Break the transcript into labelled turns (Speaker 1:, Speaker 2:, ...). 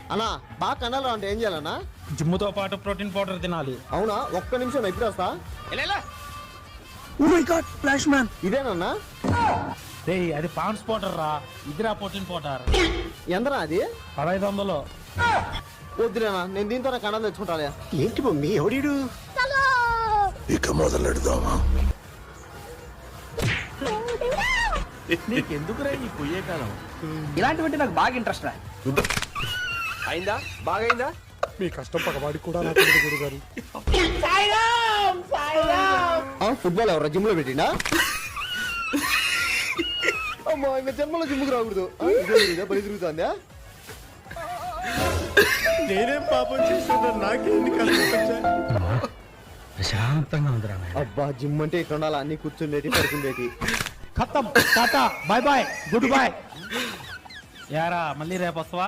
Speaker 1: అన్నా బాగా కండలు అంటే ఏం చేయాలన్నా?
Speaker 2: జిమ్ముతో పాటు ప్రోటీన్ పౌడర్ తినాలి.
Speaker 1: అవునా, ఒక్క నిమిషం ఎప్పుడు వస్తా.
Speaker 3: Oh my God, flash man.
Speaker 1: ఇదేనన్నా?
Speaker 2: రేయ్ అది పాండ్స్ పౌడర్ రా, ఇదిరా ప్రోటీన్ పౌడర్.
Speaker 1: ఎంతనా అది?
Speaker 2: 1500.
Speaker 1: వద్దులేనా, నేను దీంతో కండలు తెచ్చుకుంటాలే.
Speaker 3: ఏంటి మమ్మీ, ఎవడీడు?
Speaker 4: ఇక మొదలెడదామా?
Speaker 5: నీకెందుకురా ఈ పొయ్యే కాలం?
Speaker 3: ఇలాంటివంటే నాకు బాగా ఇంట్రెస్ట్ రా.
Speaker 1: అయిందా? బాగా అయిందా?
Speaker 4: మీ కష్టం పగవాడికి కూడా నాకు గురుగారు.
Speaker 1: ఫుట్బాల్ ఎవరా జిమ్ లో పెట్టిండా? అమ్మా ఇంకా జన్మలో జిమ్కి రాకూడదు. బలి తిరుగుతుందా?
Speaker 4: నేనేం పాపం చేస్తున్నా, నాకేంది కష్టం?
Speaker 2: ప్రశాంతంగా ఉందిరా.
Speaker 1: అబ్బా జిమ్ అంటే ఇట్లా ఉండాలి, అన్ని కూర్చుండేటి పడుకుండేటి.
Speaker 2: ఖతం, tata, bye bye, goodbye. యారా మళ్ళీ రేపు వస్తావా?